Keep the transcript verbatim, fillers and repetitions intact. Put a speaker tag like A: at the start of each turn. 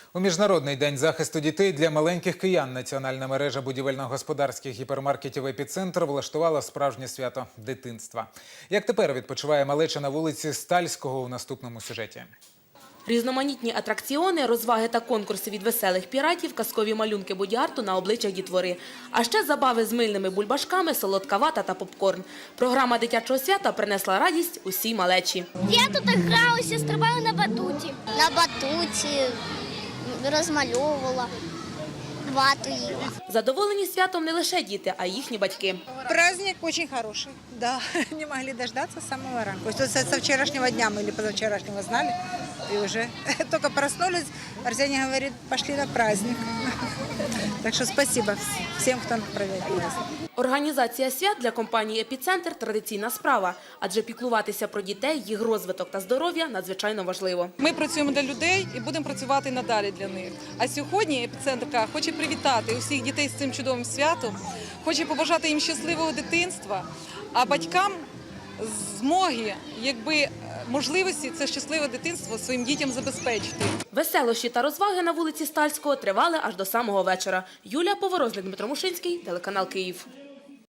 A: У Міжнародний день захисту дітей для маленьких киян національна мережа будівельно-господарських гіпермаркетів «Епіцентр» влаштувала справжнє свято дитинства. Як тепер відпочиває малеча на вулиці Стальського у наступному сюжеті.
B: Різноманітні атракціони, розваги та конкурси від веселих піратів, казкові малюнки боді-арту на обличчях дітвори. А ще забави з мильними бульбашками, солодка вата та попкорн. Програма дитячого свята принесла радість усій малечі.
C: Я тут гралася, стрибала на батуті. На батуті розмальовувала, вату їла.
B: Задоволені святом не лише діти, а й їхні батьки.
D: Праздник очень хороший, да, не могли дождаться с самого ранку. То есть со вчерашнего дня мы или позавчерашнего знали, и уже только проснулись, Арсений говорит, пошли на праздник. Так что спасибо всем, кто провел праздник.
B: Організація свят для компанії «Епіцентр» – традиційна справа, адже піклуватися про дітей, їх розвиток та здоров'я надзвичайно важливо.
E: Ми працюємо для людей і будемо працювати надалі для них. А сьогодні «Епіцентр» хоче привітати усіх дітей з цим чудовим святом, хоче побажати їм щасливого дитинства, а батькам змоги, якби можливості це щасливе дитинство своїм дітям забезпечити.
B: Веселощі та розваги на вулиці Стальського тривали аж до самого вечора. Юлія Поворозник, Дмитро Мушинський, телеканал «Київ».